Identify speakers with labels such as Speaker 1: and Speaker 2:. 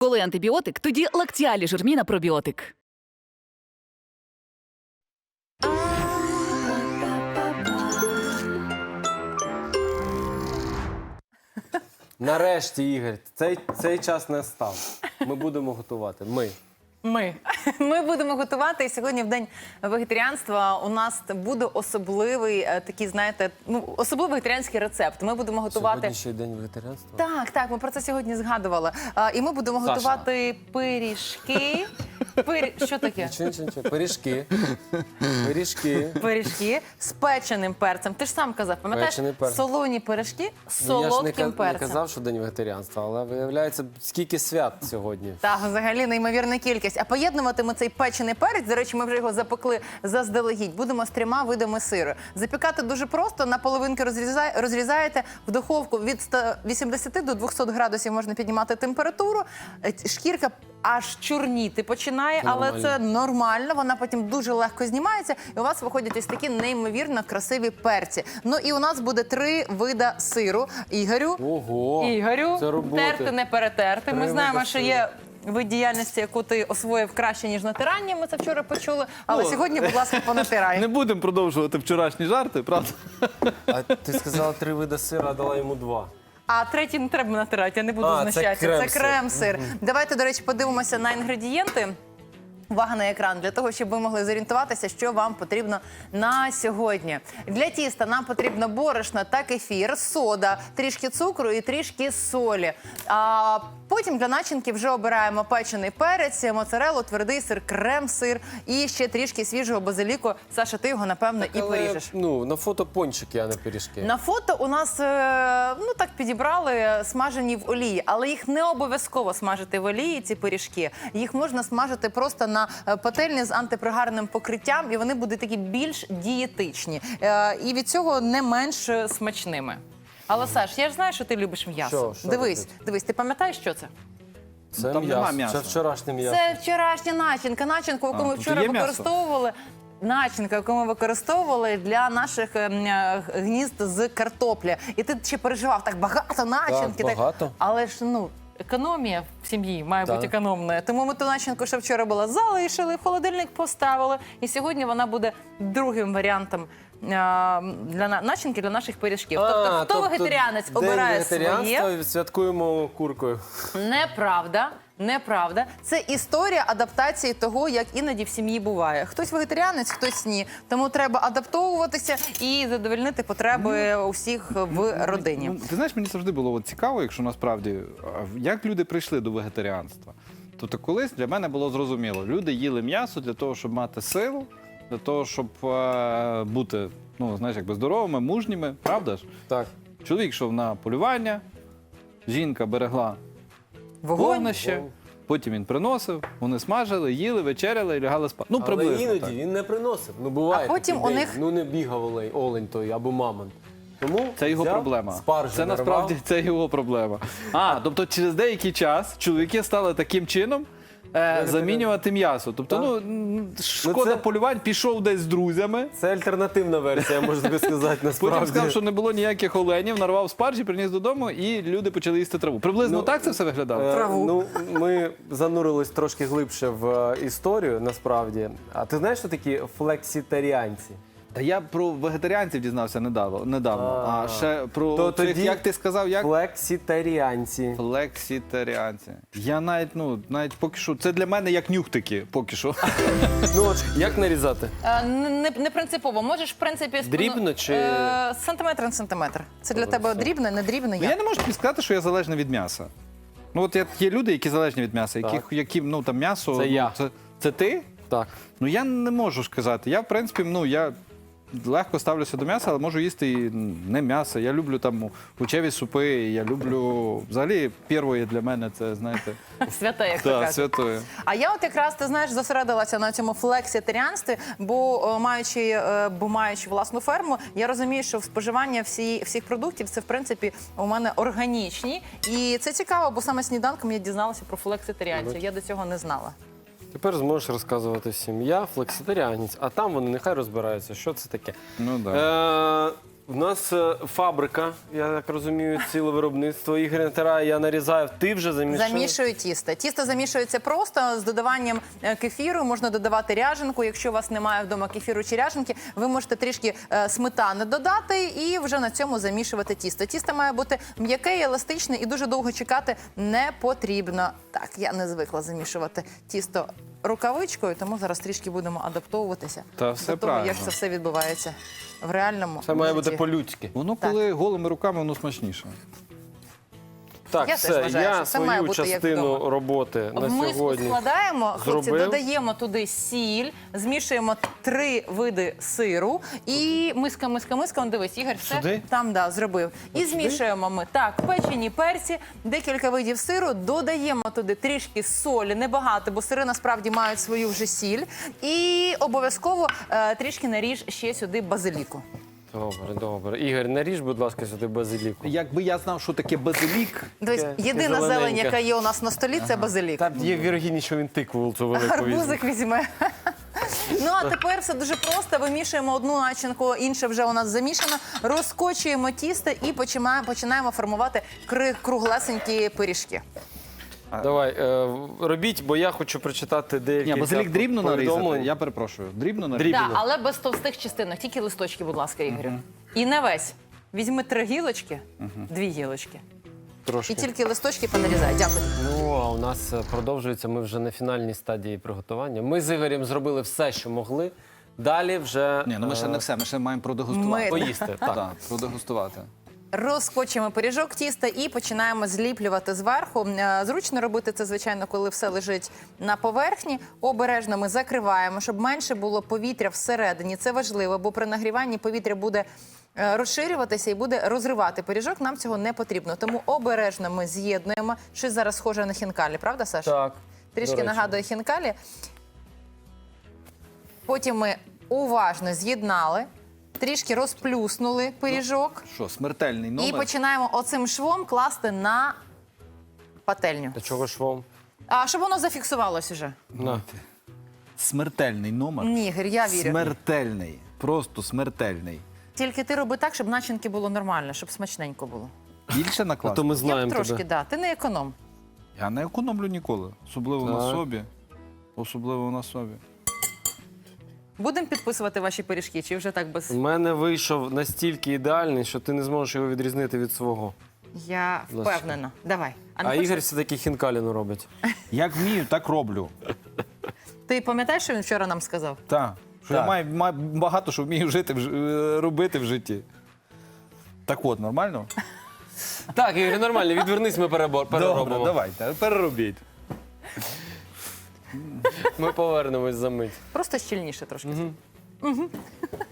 Speaker 1: Коли антибіотик, тоді Лактіалі Жирміна пробіотик.
Speaker 2: Нарешті, Ігор, цей час настав. Ми будемо готувати.
Speaker 3: Ми будемо готувати. І сьогодні в День вегетаріанства у нас буде особливий такий, знаєте, особливий вегетаріанський рецепт. Ми будемо готувати...
Speaker 2: Сьогодні ще й День вегетаріанства?
Speaker 3: Так, ми про це сьогодні згадували. І ми будемо
Speaker 2: Саша.
Speaker 3: готувати пиріжки. Що таке?
Speaker 2: Нічого. Пиріжки.
Speaker 3: З печеним перцем. Ти ж сам казав, пам'ятаєш?
Speaker 2: Печений перець.
Speaker 3: Солоні пиріжки з
Speaker 2: Ну, я
Speaker 3: солодким
Speaker 2: ж не
Speaker 3: перцем.
Speaker 2: казав, що День вегетаріанства, але виявляється, скільки свят сьогодні.
Speaker 3: Так, взагалі неймовірна кількість. А поєднувати ми цей печений перець, до речі, ми вже його запекли заздалегідь, будемо з 3 видами сиру. Запікати дуже просто, на половинки розрізаєте, в духовку від 180 до 200 градусів можна піднімати температуру. Шкірка аж чорніти починає, але
Speaker 2: Нормально.
Speaker 3: це нормально, вона потім дуже легко знімається, і у вас виходять ось такі неймовірно красиві перці. Ну і у нас буде 3 вида сиру. Ігорю,
Speaker 2: Це роботи.
Speaker 3: терти не перетерти. Ми
Speaker 2: 3
Speaker 3: знаємо,
Speaker 2: вида
Speaker 3: що
Speaker 2: сиру.
Speaker 3: є вид діяльності, яку ти освоїв краще, ніж натирання, ми це вчора почули. Але сьогодні, будь ласка, понатирай.
Speaker 4: Не будемо продовжувати вчорашні жарти, правда?
Speaker 2: А ти сказала 3 види сиру, а дала йому 2.
Speaker 3: А третій не треба натирати, я не буду
Speaker 2: А, це
Speaker 3: знущатися. Це
Speaker 2: крем-сир.
Speaker 3: крем-сир. Давайте, до речі, подивимося на інгредієнти. Увага на екран, для того, щоб ви могли зорієнтуватися, що вам потрібно на сьогодні. Для тіста нам потрібно борошно та кефір, сода, трішки цукру і трішки солі. А потім для начинки вже обираємо печений перець, моцарелу, твердий сир, крем-сир і ще трішки свіжого базиліку. Саша, ти його, напевно, і поріжеш.
Speaker 2: На фото пончики, а не пиріжки.
Speaker 3: На фото у нас, так підібрали, смажені в олії, але їх не обов'язково смажити в олії, ці пиріжки. Їх можна смажити просто на пательні з антипригарним покриттям, і вони будуть такі більш дієтичні. І від цього не менш смачними. Але, Саш, я ж знаю, що ти любиш м'ясо.
Speaker 2: Що
Speaker 3: Дивись, ти пам'ятаєш, що це?
Speaker 2: Це
Speaker 4: Там нема
Speaker 2: м'ясо.
Speaker 4: м'яса.
Speaker 2: Це вчорашнє м'ясо.
Speaker 3: Це вчорашня начинка, яку ми
Speaker 4: тут
Speaker 3: вчора
Speaker 4: є м'ясо?
Speaker 3: використовували. Начинка, яку ми використовували для наших гнізд з картоплі. І ти ще переживав, так багато начинки.
Speaker 2: Так, багато.
Speaker 3: Але ж, економія в сім'ї має
Speaker 2: Так.
Speaker 3: бути економною. Тому ми ту начинку, що вчора була, залишили, в холодильник поставили. І сьогодні вона буде другим варіантом для начинки для наших пиріжків. Тобто, хто вегетаріанець обирає
Speaker 2: День вегетаріанства
Speaker 3: своє.
Speaker 2: святкуємо куркою.
Speaker 3: Неправда. Це історія адаптації того, як іноді в сім'ї буває. Хтось вегетаріанець, хтось ні. Тому треба адаптовуватися і задовольнити потреби усіх в родині.
Speaker 4: Ти знаєш, мені завжди було цікаво, якщо насправді, як люди прийшли до вегетаріанства. Тобто колись для мене було зрозуміло, люди їли м'ясо для того, щоб мати силу, для того, щоб бути, здоровими, мужніми, правда ж?
Speaker 2: Так.
Speaker 4: Чоловік йшов на полювання, жінка берегла вогнище, потім він приносив, вони смажили, їли, вечеряли і лягали спати.
Speaker 2: Але
Speaker 4: Приблизно
Speaker 2: іноді
Speaker 4: так.
Speaker 2: він не приносив. Буває
Speaker 3: А потім
Speaker 2: такий
Speaker 3: у
Speaker 2: день.
Speaker 3: них-
Speaker 2: Не бігав олень той або мамонт. Тому
Speaker 4: Це його
Speaker 2: взяв,
Speaker 4: проблема.
Speaker 2: спаржу
Speaker 4: Це
Speaker 2: нарвав.
Speaker 4: насправді це його проблема. Тобто через деякий час чоловіки стали таким чином замінювати м'ясо. Тобто, шкода
Speaker 2: це-
Speaker 4: полювань, пішов десь з друзями.
Speaker 2: Це альтернативна версія, можна тобі сказати, насправді.
Speaker 4: Потім сказав, що не було ніяких оленів, нарвав спаржі, приніс додому, і люди почали їсти траву. Приблизно так це все виглядало?
Speaker 2: Ми занурились трошки глибше в історію, насправді. А ти знаєш, що такі флекситаріанці?
Speaker 4: Та я про вегетаріанців дізнався недавно. А ще про
Speaker 2: То
Speaker 4: цих,
Speaker 2: тоді
Speaker 4: як ти сказав, як?
Speaker 2: Флекситаріанці.
Speaker 4: Флекситаріанці. Я навіть поки що, це для мене як нюхтики, поки що.
Speaker 2: Як нарізати?
Speaker 3: Не принципово. Можеш, в принципі,
Speaker 2: Дрібно чи-
Speaker 3: сантиметр на сантиметр. Це для тебе дрібне, не дрібне?
Speaker 4: Я не можу тобі сказати, що я залежний від м'яса. Є люди, які залежні від м'яса, яким там м'ясо.
Speaker 2: Це я.
Speaker 4: Це ти?
Speaker 2: Так.
Speaker 4: Я не можу сказати. Я, в принципі, я легко ставлюся до м'яса, але можу їсти і не м'ясо. Я люблю там овочеві супи, я люблю. Взагалі, первоє для мене це, знаєте,
Speaker 3: Святе, як то
Speaker 4: так,
Speaker 3: кажуть.
Speaker 4: святое.
Speaker 3: А я от якраз, ти знаєш, зосередилася на цьому флекситаріанстві, бо маючи власну ферму, я розумію, що споживання всіх продуктів це, в принципі, у мене органічні. І це цікаво, бо саме сніданком я дізналася про флекситаріанців. Я до цього не знала.
Speaker 2: Тепер зможеш розказувати всім. Я флекситаріанець, а там вони нехай розбираються, що це таке.
Speaker 4: Ну, да.
Speaker 2: У нас фабрика, я так розумію, ціле виробництво. Ігор натирає, я нарізаю. Ти вже замішав?
Speaker 3: Замішую тісто. Тісто замішується просто з додаванням кефіру. Можна додавати ряженку. Якщо у вас немає вдома кефіру чи ряженки, ви можете трішки сметани додати і вже на цьому замішувати тісто. Тісто має бути м'яке і еластичне, і дуже довго чекати не потрібно. Так, я не звикла замішувати тісто рукавичкою, тому зараз трішки будемо адаптовуватися
Speaker 4: Та все
Speaker 3: до того, як
Speaker 4: правильно.
Speaker 3: це все відбувається в реальному
Speaker 2: Це має бути
Speaker 3: житті.
Speaker 2: по-людськи.
Speaker 4: Воно коли голими руками, воно смачніше.
Speaker 2: Так,
Speaker 3: Я теж
Speaker 2: все,
Speaker 3: вважаю, що
Speaker 2: я
Speaker 3: це має
Speaker 2: свою
Speaker 3: бути як
Speaker 2: частину
Speaker 3: вдома.
Speaker 2: роботи на
Speaker 3: В миску
Speaker 2: сьогодні
Speaker 3: складаємо, хлопці,
Speaker 2: зробив.
Speaker 3: додаємо туди сіль, змішуємо 3 види сиру і миска, он дивись, Ігор, все
Speaker 2: Сюди?
Speaker 3: там, да, зробив. І змішуємо ми, так, печені перці, декілька видів сиру, додаємо туди трішки солі, небагато, бо сири насправді мають свою вже сіль. І обов'язково трішки наріж ще сюди базиліку.
Speaker 2: Добре, добре. Ігор, наріж, будь ласка, сюди базиліку.
Speaker 4: Якби я знав, що таке базилік,
Speaker 3: Дивись,
Speaker 2: Таке
Speaker 3: єдина
Speaker 2: зелененьке.
Speaker 3: зелень, яка є у нас на столі, це базилік.
Speaker 2: Там є вірогідність, що він тикву цю велику візьме.
Speaker 3: Гарбузик візьме. Ну, а тепер все дуже просто. Вимішуємо одну начинку, інша вже у нас замішана. Розкочуємо тісто і починаємо формувати круглесенькі пиріжки.
Speaker 2: Давай, робіть, бо я хочу прочитати деякі
Speaker 4: ні, базилік дрібно нарізати,
Speaker 2: повідомлень.
Speaker 4: я перепрошую, дрібно нарізати.
Speaker 2: Дрібно.
Speaker 3: Так, але без товстих частинок, тільки листочки, будь ласка, Ігорю. І не весь. Візьми 3 гілочки, 2 гілочки.
Speaker 2: Трошки.
Speaker 3: І тільки листочки понарізай. Дякую.
Speaker 2: Ну, а у нас продовжується, ми вже на фінальній стадії приготування. Ми з Ігорем зробили все, що могли. Далі вже
Speaker 4: Ні, ну ми ще не все, ми ще маємо продегустувати.
Speaker 3: Ми-
Speaker 2: поїсти. Так.
Speaker 4: Так, продегустувати.
Speaker 3: Розкочуємо пиріжок тіста і починаємо зліплювати зверху. Зручно робити це, звичайно, коли все лежить на поверхні. Обережно ми закриваємо, щоб менше було повітря всередині. Це важливо, бо при нагріванні повітря буде розширюватися і буде розривати пиріжок. Нам цього не потрібно. Тому обережно ми з'єднуємо. Щось зараз схоже на хінкалі, правда, Саша?
Speaker 2: Так.
Speaker 3: Трішки
Speaker 2: до речі.
Speaker 3: нагадує хінкалі. Потім ми уважно з'єднали, трішки розплюснули пиріжок.
Speaker 4: Що, смертельний
Speaker 3: І
Speaker 4: номер?
Speaker 3: починаємо оцим швом класти на пательню.
Speaker 2: Та чого швом?
Speaker 3: А щоб воно зафіксувалось уже.
Speaker 2: На.
Speaker 4: Смертельний номер?
Speaker 3: Ні, Ігор, я вірю.
Speaker 4: Смертельний. Просто смертельний.
Speaker 3: Тільки ти роби так, щоб начинки було нормально, щоб смачненько було.
Speaker 4: Більше
Speaker 2: А
Speaker 4: накласти?
Speaker 2: то ми
Speaker 3: Я б
Speaker 2: знаємо
Speaker 3: трошки,
Speaker 2: тебе.
Speaker 3: да. Ти не економ.
Speaker 4: Я не економлю ніколи. Особливо на
Speaker 2: Так.
Speaker 4: собі. Особливо на собі.
Speaker 3: Будемо підписувати ваші пиріжки, чи вже так без.
Speaker 2: У мене вийшов настільки ідеальний, що ти не зможеш його відрізнити від свого.
Speaker 3: Я
Speaker 2: Будь ласка.
Speaker 3: впевнена. Давай.
Speaker 2: А
Speaker 3: не хочеш?
Speaker 2: Ігор все-таки хінкаліну робить.
Speaker 4: Як вмію, так роблю.
Speaker 3: Ти пам'ятаєш, що він вчора нам сказав?
Speaker 4: Так. Що
Speaker 2: Так.
Speaker 4: я маю багато що вмію робити в житті. Так от, нормально?
Speaker 2: Так, Ігор, нормально, відвернись, ми переробимо.
Speaker 4: Добре, давайте, переробіть.
Speaker 2: Ми повернемось за мить.
Speaker 3: Просто щільніше трошки.